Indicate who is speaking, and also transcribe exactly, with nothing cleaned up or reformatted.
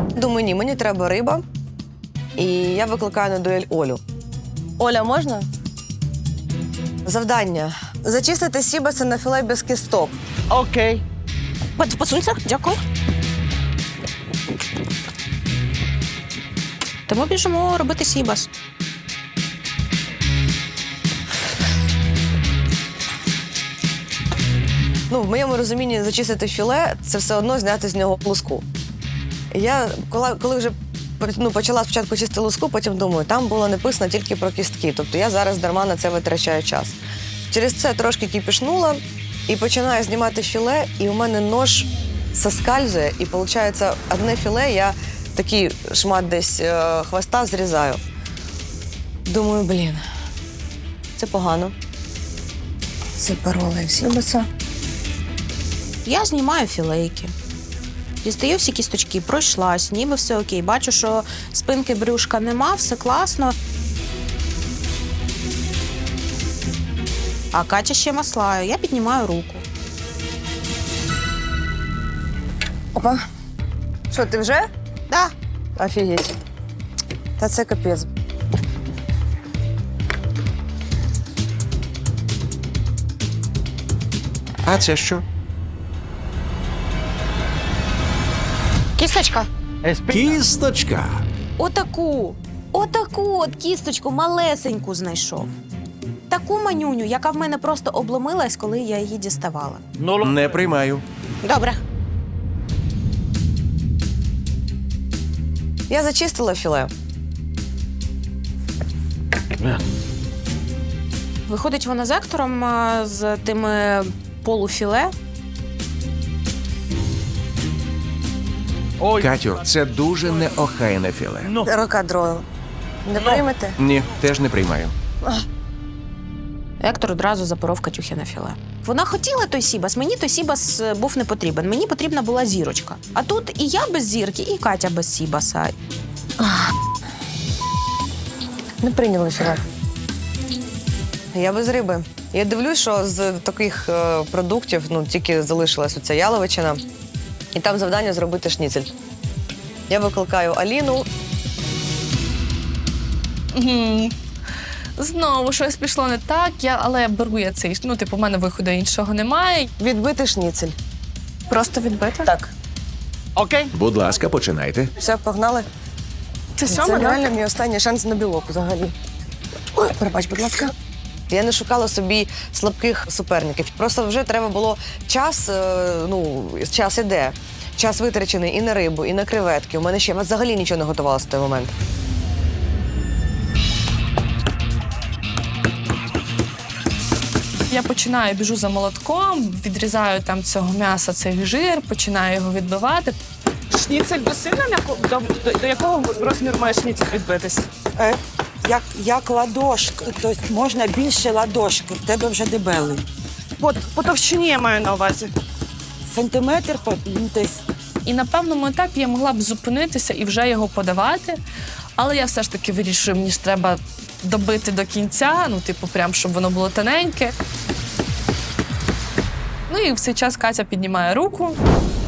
Speaker 1: Думаю, ні, мені треба риба. І я викликаю на дуель Олю. Оля, можна? Завдання. Зачистити сібаси на філе без кісток.
Speaker 2: Окей.
Speaker 3: Посунься, дякую. Тому біжимо робити сібас.
Speaker 1: Ну, в моєму розумінні зачистити філе – це все одно зняти з нього луску. Я, коли, коли вже ну, почала спочатку чистити луску, потім думаю, там було написано тільки про кістки. Тобто я зараз дарма на це витрачаю час. Через це трошки кипішнула і починаю знімати філе, і у мене нож соскальзує, і виходить, одне філе я такий шмат десь е, хвоста зрізаю. Думаю, блін, це погано. Це пароли сібаса.
Speaker 3: Я знімаю філейки. Дістаю всі кісточки, пройшлась, ніби все окей. Бачу, що спинки брюшка нема, все класно. А Катя ще маслає. Я піднімаю руку.
Speaker 1: Опа. Що, ти вже?
Speaker 3: Да.
Speaker 1: Офігеть. Та це капець.
Speaker 4: А це що?
Speaker 3: Кісточка.
Speaker 4: Кісточка.
Speaker 3: Отаку, отаку от кісточку малесеньку знайшов. Таку манюню, яка в мене просто обломилась, коли я її діставала.
Speaker 4: Не приймаю.
Speaker 3: Добре.
Speaker 1: Я зачистила філе.
Speaker 3: Виходить вона з ектором а, з тими полуфіле.
Speaker 4: Катю, це дуже неохайне філе.
Speaker 1: Рокадройл. Не приймете?
Speaker 4: Ні, теж не приймаю.
Speaker 3: Ектор одразу запоров Катюхи на філе. Вона хотіла той сібас, мені той сібас був не потрібен. Мені потрібна була зірочка. А тут і я без зірки, і Катя без сібаса.
Speaker 1: Не прийняли філе. Я без риби. Я дивлюсь, що з таких е, продуктів ну, тільки залишилась оця яловичина. І там завдання зробити шніцель. Я викликаю Аліну.
Speaker 5: Угу. Знову щось пішло не так, я, але беру я цей, ну, типу, в мене виходу іншого немає.
Speaker 1: Відбити шніцель.
Speaker 5: Просто відбити?
Speaker 1: Так.
Speaker 2: Окей.
Speaker 4: Будь ласка, починайте.
Speaker 1: Все, погнали.
Speaker 5: Це
Speaker 1: Це
Speaker 5: сьоме, так?
Speaker 1: реально мій останній шанс на білок взагалі. Ой, перебач, будь ласка. Я не шукала собі слабких суперників. Просто вже треба було час, е, ну, час іде. Час витрачений і на рибу, і на креветки. У мене ще взагалі нічого не готувалося в той момент.
Speaker 5: Я починаю, біжу за молотком, відрізаю там цього м'яса цей жир, починаю його відбивати.
Speaker 6: Шніцель до сильно м'яко? До, до, до якого розміру має шніцель відбитись?
Speaker 7: Е, як, як ладошка, тобто можна більше ладошки, в тебе вже дебелий.
Speaker 6: По, по товщині я маю на увазі.
Speaker 7: Сантиметр, по- ну, десь.
Speaker 5: І на певному етапі я могла б зупинитися і вже його подавати, але я все ж таки вирішую, мені ж треба добити до кінця, ну, типу, прям, щоб воно було тоненьке. Ну і в цей час Катя піднімає руку.